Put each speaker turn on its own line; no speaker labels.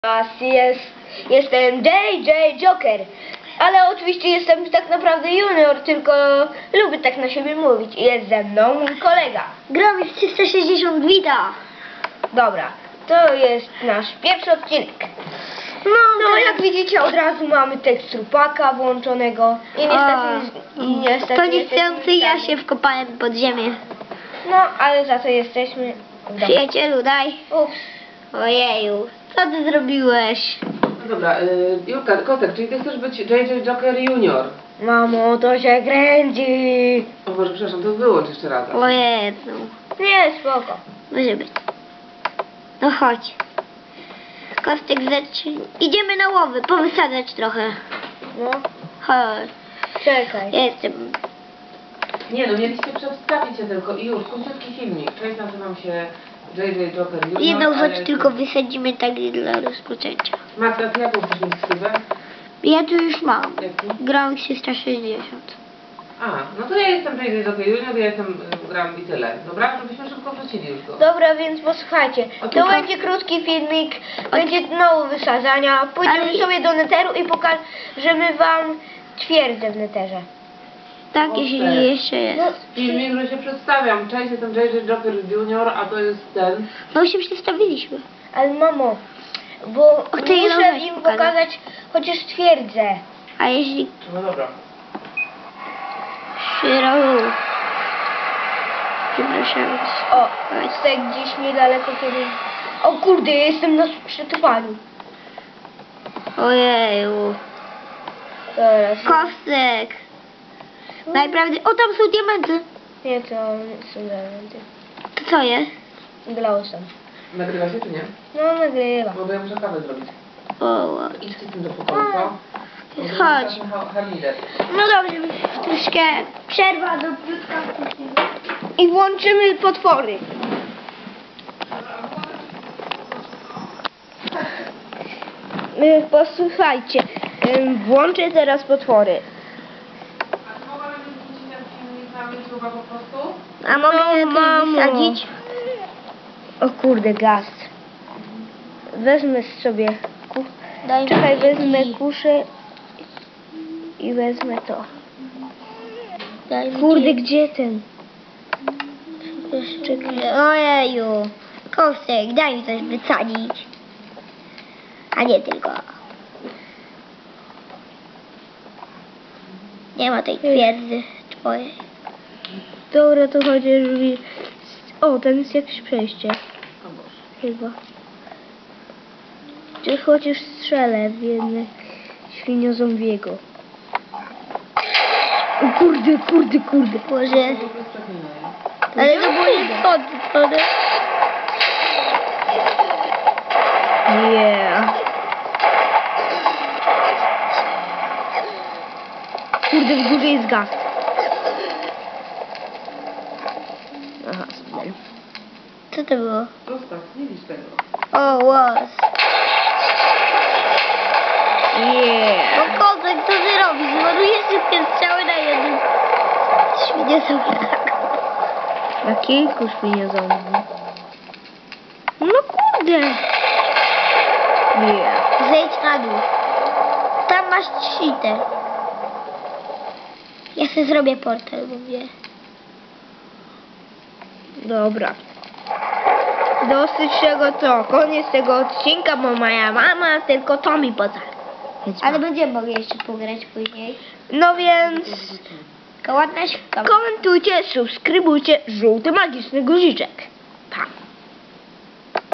Jestem JJ Joker, ale oczywiście jestem tak naprawdę junior, tylko lubię tak na siebie mówić. Jest ze mną mój kolega.
Gramy w 360 Vita.
Dobra, to jest nasz pierwszy odcinek. No jak widzicie, od razu mamy tekstur paka włączonego i niestety
to niestety ja się wkopałem pod ziemię.
No, ale za to jesteśmy w domu.
Przyjacielu, daj.
Ups.
Ojeju, co ty zrobiłeś?
No dobra, Julka, Kotek, czyli ty chcesz być JJ Joker Junior?
Mamo, to się kręci.
O Boże, przepraszam, to wyłącz jeszcze raz.
Ojeju.
Nie, spoko.
Może być. No chodź. Kostek, idziemy na łowy, powysadzać trochę.
No,
Chodź.
czekaj.
Jestem.
Nie no, mieliście przedstawić się tylko i już, króciutki filmik. Cześć, nazywam się JJ Joker Junior.
Jedną rzecz
ale...
tylko wysadzimy tak dla rozpoczęcia.
Max, a ty jaką chcesz mieć ksywę?
Ja tu już mam.
Jaki?
Gram 360.
A, no to ja jestem JJ Joker Junior, ja jestem gram i tyle. Dobra? Żebyśmy szybko wrócili już go.
Dobra, więc posłuchajcie, to będzie krótki filmik, będzie mało wysadzania, pójdziemy sobie do neteru i pokażemy wam twierdzę w neterze.
Tak,
O,
jeśli
tak.
jeszcze jest.
Filmik, że się przedstawiam. Cześć, jestem JJ Joker Junior, a to jest ten.
No się przestawiliśmy.
Ale mamo, bo
ty jedną
muszę
rzecz
im
pokazać.
pokazać chociaż twierdzę.
A jeśli
No dobra.
Przepraszam.
O, tutaj gdzieś niedaleko kiedy... O kurde, jestem na przetrwaniu.
Ojeju.
Teraz.
Kostek. Najprawdopodobniej... O, tam są diamenty.
Nie, to są elementy.
To co jest?
Glowstone.
Nagrywa się czy nie?
No, nagrywa.
Bo ja muszę kawę zrobić.
O,
Idźcie z tym do pokoju, co?
chodź.
Harmider.
No dobrze, troszkę przerwa do piutka.
I włączymy potwory. Posłuchajcie, włączę teraz potwory.
A czy mogłabym wrzucić ten filmik na YouTube'a po prostu?
A mogę
mamo.
wysadzić?
O kurde, gaz. Wezmę sobie
Daj
Czekaj,
mi
wezmę
kij.
kuszę i wezmę to.
Daj mi
Kurde,
kij.
gdzie ten?
Czekaj. Ojeju. Kostek, daj mi coś wysadzić. A nie tylko. Nie ma tej twierdzy twojej.
Dobra, to chociaż... O, tam jest jakieś przejście.
O Boże.
Chyba. Czy chociaż strzelę w jedne świniozombiego. O kurde, kurde, kurde.
Boże.
To jest przeklinanie.
Ale to było niespotykane.
Yeah. Kurde, w górze jest gaz. Aha, super.
Co to było?
Zostaw, nie widz tego.
O, łos.
Yeah.
O, Kostek, co ty robisz? Zmarujesz wszystkie strzały na jednym. Świnie są tak.
Na kilku świniozombi. No kurde. Yeah.
Zejdź na dół. Tam masz cheater. Ja sobie zrobię portal, mówię.
Dobra. Dosyć tego to. Koniec tego odcinka, bo moja mama tylko to mi poza.
Ale będziemy mogli jeszcze pograć później.
No więc
Tylko ładna śpiewa.
komentujcie, subskrybujcie, żółty magiczny guziczek. Pa.